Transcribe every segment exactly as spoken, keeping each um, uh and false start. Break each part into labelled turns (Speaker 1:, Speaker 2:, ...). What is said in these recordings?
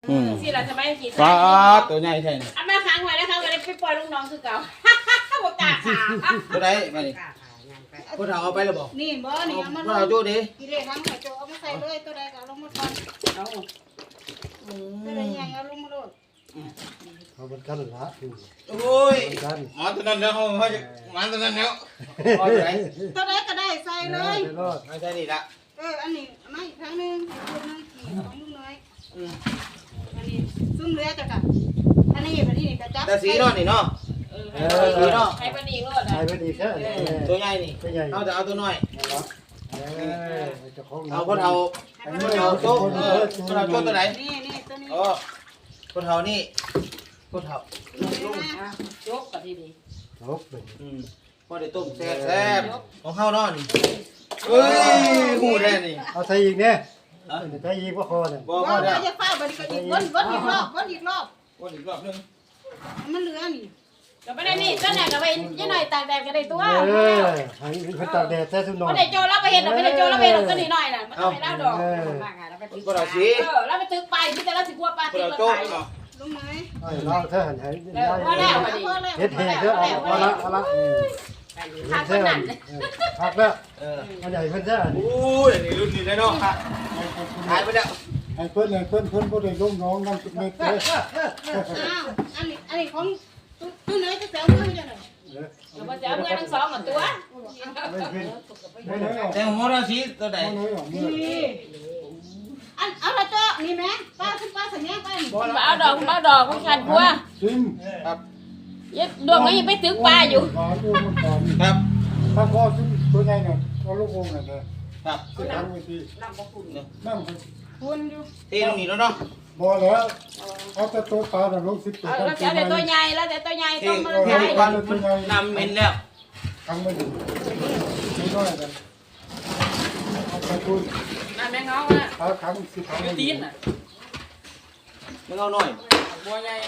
Speaker 1: อืม
Speaker 2: สิเราจะไม่กิน
Speaker 1: ปลาตัวใหญ่แท้นี่
Speaker 2: อ่ะแม่ค้างไว้นะคะวันนี้ไปปล่อยลูกน้องคือเก่าบอกกาขา
Speaker 1: ตัวใดมาดิพวกเราเอาไปแล้วบ่
Speaker 3: นี่บ่นี่เอามา
Speaker 1: พวกเราโจ้ดิ
Speaker 3: กิเลสทั้งไข่โจเอามาใส่เลยตัวใดก็เอาลงมาก่อน
Speaker 2: เอา
Speaker 3: ตัวใดใหญ่เอาลงมาโลด
Speaker 4: เขาเป็นกันละอยู่
Speaker 1: โอ้ย
Speaker 4: กัน
Speaker 1: หมอตัวนั้นแล้วเขาเขาจะหมันตัวนั้นแล้วเอาตัวไหน
Speaker 3: ตัวใดก็ได้ใส่เลย
Speaker 4: รอด
Speaker 1: ไม่ใช่นี่ละ
Speaker 3: เอออันนี้มาอีกครั้งหนึงตัวนึงขี่ของลูกน้อย
Speaker 1: อืม
Speaker 3: อันนี้ซุ่มเรือจ้ะค่ะอันนี้อันนี้ก็จับ
Speaker 1: แต่สีนอนนี่เนาะ
Speaker 2: เออให้เนาะให้ปนีรอด
Speaker 4: ใช้
Speaker 2: อ่ะ
Speaker 4: ไปดีแค่
Speaker 1: ตัวใหญ่นี่
Speaker 4: ตัวใหญ่
Speaker 1: เอาแต่เอาตัวน้อย
Speaker 4: เออเจ้าของ
Speaker 1: เอาพวกเราพวกเราโจ้เออพวกเราโจ้ตัวไหน
Speaker 3: นี่นี่ตัวนี้
Speaker 1: อ๋อพวกเรานี่พวกเรา
Speaker 3: ลุง
Speaker 2: อ่ะยกกับทีดี
Speaker 4: ลบเลย
Speaker 1: อืมพอได้ต้มแซ่บแซ่บของข้าวนอนเอ้ยหูแน่นี่
Speaker 4: เอาใส่อีกเนี่ยใส่อีกว่าคอเนี่ย
Speaker 1: บอก
Speaker 3: บ่
Speaker 1: ว่า
Speaker 3: บ่
Speaker 1: เดี๋ยว
Speaker 3: จะฟ้าบ่ดีก็อีกวนวนอีกรอบวนอีกรอบ
Speaker 1: วนอีกรอบนึง
Speaker 3: มันเหลือนี่
Speaker 2: ก็ไม่ได้นี่ก็ไหนก็ไปยี่หน่อยตากแดดก็ได้ตัว
Speaker 4: เออให้เขาตากแดดแท้ทุนนอ
Speaker 2: ไม่
Speaker 4: น
Speaker 2: ได้โจแล้วไปเห็นไม่ได้โจแล้วไปเห็นก็หนีหน่อยน่ะมันไม่เล่าดอก
Speaker 1: พวกเราสี
Speaker 2: เออแล้วไปตึกไปพี่แต่ละสิกลัวปลา
Speaker 1: พวก
Speaker 2: ตึก
Speaker 1: เรา
Speaker 2: มา
Speaker 1: โจ้
Speaker 2: ขาย
Speaker 1: เนาะ
Speaker 3: ลุงน้อย
Speaker 4: ไอ้เราแท้หันให้
Speaker 2: เออพอแล้วพอดี
Speaker 3: พอแล้ว
Speaker 4: เฮ็ดเฮ็ดเด้อเอาละเอาละ
Speaker 2: ขาดคนนั้น
Speaker 4: พักแล้ว
Speaker 1: เออ
Speaker 4: อันใหญ่เพิ่นแท้
Speaker 1: โอ้ยนี่รุ่นนี้เลยเนาะหายไปแล้ว
Speaker 4: ไอ้เพิ่นไอ้เพิ่นเพิ่นบ่ได้ลงน้องนั่นเม็ดเด้อ
Speaker 3: อ้าวอันนี้อันนี้ของตัวน้อยจะแซวมือจังได๋
Speaker 2: เราจะเอาเงินทั้งสองกับตัว
Speaker 4: ไม่ขึ้นไม่น้อยออก
Speaker 1: แต่ของเราสีตัวไหน
Speaker 4: ไม่น้อยออกมือ
Speaker 3: นี่อันเอาละเจ้านี่แม่ป้าขึ้นป้าสัญญาป้านี่
Speaker 2: คุณบ้าดอกคุณบ้าดอกคุณขาดกลัว
Speaker 4: ซิม
Speaker 1: ครับ
Speaker 2: ยัดดวงนี้ไปตึกปลาอยู่
Speaker 4: ขอดูมันก่อน
Speaker 1: ครับ
Speaker 4: ถ้าพอซิมตัวใหญ่เนี่ยเอาลูกวงน่ะนะครับ สิทางวิธี
Speaker 2: น้ำบ่คุณ
Speaker 4: นั่น
Speaker 3: คุณอยู่
Speaker 1: ที่ตรงนี้แล้วเนาะ
Speaker 4: บ่แล้วเอาแต่ตัวปลาน่ะลงสิบตัว
Speaker 2: เอาแล้วแต่ตัวใหญ่แล้วแต่ตัวใหญ่
Speaker 1: ที่
Speaker 2: ต้องมา
Speaker 1: ที่
Speaker 2: ใหญ่
Speaker 1: ก่อนนำเห็นแล้ว
Speaker 4: ทำไม่ถึงไม่น้อยกันเอาไปคุณ
Speaker 2: น้ำแมงเงาอ่ะ
Speaker 4: เอาครั้งสิบครั้ง
Speaker 2: ตีนอ่ะ
Speaker 1: มึงเอาหน่อย
Speaker 2: บัวใหญ่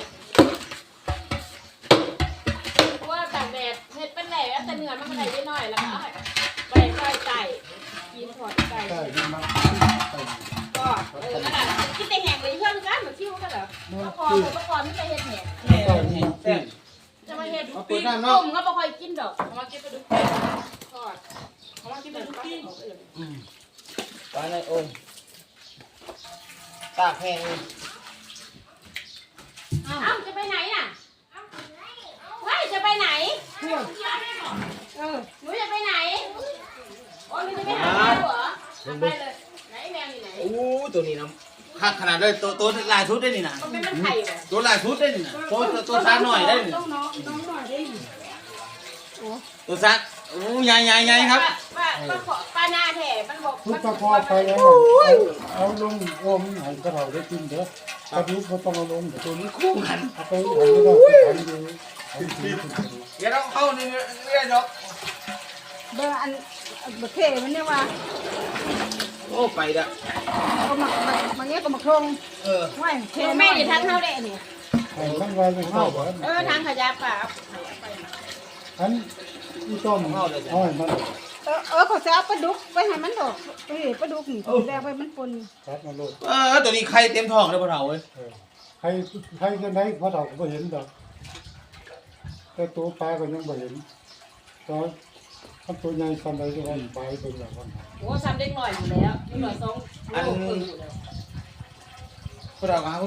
Speaker 2: บัวตากแดดเห็ดเป็นแหล่แต่เนื้อมันก็ได้นิดหน่อยแล้วก็ไปใส่ไก่กินถอดไก่
Speaker 4: ใช่นี่มา
Speaker 2: ก็เออนั่นแหละคิดแต่แหงเลยเพื่อนกันเหมือนคิ้วกันเหรอประคองประคองไม่ไปเห็ดแหง
Speaker 1: แซ่บแซ่บ
Speaker 2: จะมาเห็ด
Speaker 1: เอา
Speaker 2: ปี
Speaker 1: เปิด
Speaker 2: ก
Speaker 1: น้ำ
Speaker 2: ต้
Speaker 1: เนาะ
Speaker 2: มก็บ่ค่อยกินดอกเอามากินไปดูทอดเอามากินไปดูกิน
Speaker 1: ไปเลยโอ้ยตากแห้งเลย
Speaker 2: เอ้าจะไปไหนน่ะเฮ้ยจะไปไหนเออหนูจะไปไหนโอ้ยหนูจะไปหาแมวเหรอไปเลยไหนแมวอยู่ไหน
Speaker 1: โอ้ตัวนี้นะคักขนาดเลยตัวตัวลายชุดได้นี่นะ
Speaker 2: มันเป็นมันไข่เหรอ
Speaker 1: ตัวลายชุดได้นี่นะตัวตัวซาหน่อยได้นี่
Speaker 3: ต้องน้องน้องหน่อยได้นี่
Speaker 1: ตัวซาโอ้ใหญ่ใหญ่ใหญ่ครับ
Speaker 2: ว่าว่าปลาหน้าแถ่มันบอก
Speaker 4: ทุกตะคอไปแล้วเอาลงโอมให้กระเราได้กินเด้อกระดูกบ่ต้องเอาลงตัวนี้
Speaker 1: คู่กัน
Speaker 4: เอาไปให้ได้ทำอยู่
Speaker 1: เดี๋ยวเราเข้าในเรื่องดอก
Speaker 3: เบอร์อันบักเทมันเนี่ยว่า
Speaker 1: โอ้ไปละ
Speaker 3: เอามามาเงี้ยก็มาคง
Speaker 1: เออ
Speaker 3: ไว้เท
Speaker 2: แม่อยู่ทางเท่าเด็นี่
Speaker 4: ให้ทั้งวันเลยเข้าบ่
Speaker 2: เออทางขยะป่า
Speaker 4: อันอีต้มเอาให้มัน
Speaker 3: เออเออเขาจะเอาปลาดุกไปให้มันดอกเอ้ยปลาดุกนี่แรกไปมันปน
Speaker 4: ครับมาโลด
Speaker 1: เออตัวนี้ไข่เต็มท้องเลยพ่อเฒ่าเว้ย
Speaker 4: เออใครใครจะไหนพอเราก็บ่เห็นดอกแต่ตัวปลาก็ยังบ่เห็นตอนถ้าตัวใหญ่สันใดก็ว่าปลาตัวใหญ่ว่า
Speaker 2: โอ้ซ้ำเด็กหน่อยอยู่แล้วเด็กหน่อยสองโลครึ่งอยู่แล้ว
Speaker 1: พ่อเฒ่าหา